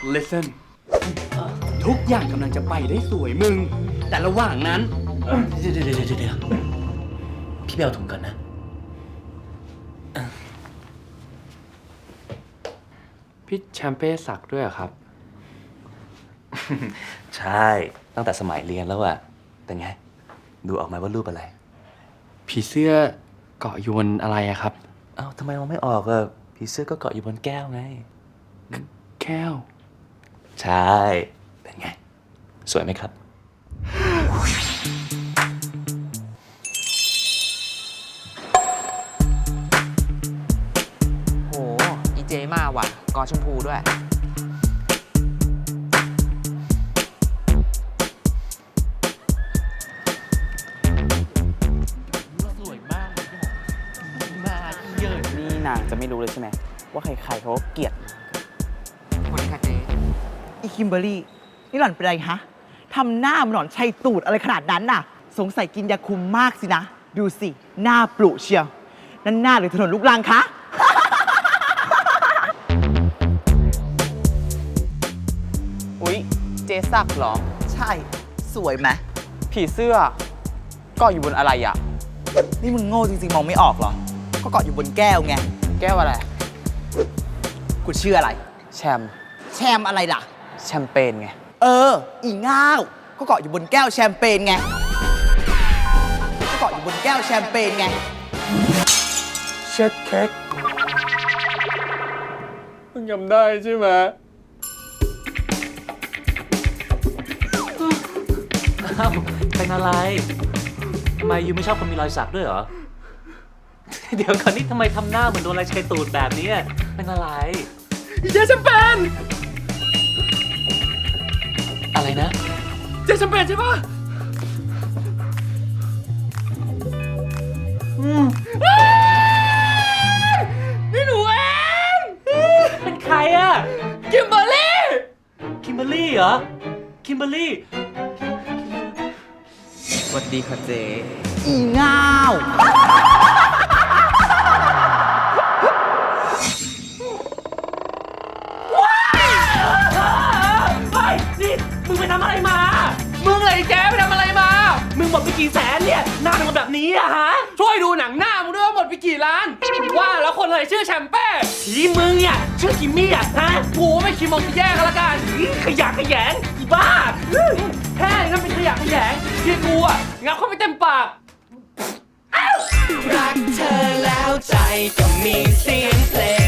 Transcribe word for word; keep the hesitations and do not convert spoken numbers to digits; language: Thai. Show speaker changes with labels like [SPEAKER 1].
[SPEAKER 1] listen ทุกอย่างกำลังจะไปได้สวยมึงแต่ระหว่างนั้น
[SPEAKER 2] เดี๋ยวเดี๋ยวเดี๋ยวเดี๋ยวพี่ไปเอาถุงก่อนนะ
[SPEAKER 1] พี่แชมเป้สักด้วยเหรอครับ
[SPEAKER 2] ใช่ตั้งแต่สมัยเรียนแล้วอะเป็นไงดูออกมาว่ารูปอะไร
[SPEAKER 1] ผีเสื้อเกาะอยู่บนอะไรอะครับ
[SPEAKER 2] เอ้าทำไมมองไม่ออกอะผีเสื้อก็เกาะอยู่บนแก้วไง
[SPEAKER 1] แก้ว
[SPEAKER 2] ใช่เป็นไงสวยไหมครับ
[SPEAKER 3] โหอีเจมาว่ะกอชมพูด้วย
[SPEAKER 1] สวยมากมาเยอะนี่นางจะไม่รู้เลยใช่ไหมว่าใครๆเขาเกลียด
[SPEAKER 3] คนนี้ค่ะเจ
[SPEAKER 4] อีคิมเบอร์รี่นี่หล่อนเป็นไรฮะทำหน้ามันหล่อนชัยตูดอะไรขนาดนั้นน่ะสงสัยกินยาคุมมากสินะดูสิหน้าปลุเชียวนั่นหน้าหรือถนนลูกรังคะ
[SPEAKER 3] อุ๊ยเจสักเหรอ
[SPEAKER 4] ใช่สวยไหม
[SPEAKER 3] ผีเสื้อเกาะอยู่บนอะไรอ่ะ
[SPEAKER 4] นี่มึงโง่จริงๆมองไม่ออกเหรอก็เกาะอยู่บนแก้วไง
[SPEAKER 3] แก้วอะไร
[SPEAKER 4] กูชื่ออะไร
[SPEAKER 3] แชม
[SPEAKER 4] แชมอะไรล่ะ
[SPEAKER 3] แชมเปญไง
[SPEAKER 4] เอออีง่าวก็เกาะอยู่บนแก้วแชมเปญไงก็เกาะอยู่บนแก้วแชมเปญไง
[SPEAKER 1] เช็ดเค้กมึงจำได้ใช่ไหม
[SPEAKER 2] อ้าวเป็นอะไรทำไมยูไม่ชอบคนมีรอยสักด้วยเหรอ เดี๋ยวก่อนนี่ทำไมทำหน้าเหมือนโดนอะไรชัยตูดแบบนี้เป็นอะไร
[SPEAKER 1] เจสัมเปน
[SPEAKER 2] อะไรนะ
[SPEAKER 1] เจสัมเปนใช่ปะอืมนี่หนูเอง
[SPEAKER 2] เป็นใครอะ
[SPEAKER 1] คิมเบอร์รี่
[SPEAKER 2] คิมเบอร์รี่เหรอคิมเบอร์รี่
[SPEAKER 3] สวัสดีค่ะเจ
[SPEAKER 4] อีง่าว
[SPEAKER 2] นี่มึงไปทำอะไรมา
[SPEAKER 1] มึงเลยแจ๊ไปทำอะไรมา
[SPEAKER 2] มึงหมดไปกี่แสนเนี่ยหน้าเป็นแบบนี้อะฮะ
[SPEAKER 1] ช่วยดูหนังหน้ามึงด้วยว่าหมดไปกี่ล้านว่าแล้วคนอะไรชื่อแชมเป้
[SPEAKER 2] ทีมึงเนี่ยชื่อคิมมี่อะฮะ
[SPEAKER 1] กูไม่คิดมองจะแย่กันละกัน
[SPEAKER 2] ขยะขยงอีบ้า
[SPEAKER 1] แค่นั้นเป็นขยะขยงที่กูอะงับเข้าไปเต็มปาก
[SPEAKER 5] รักเธอแล้วใจก็มีเสียงเพลง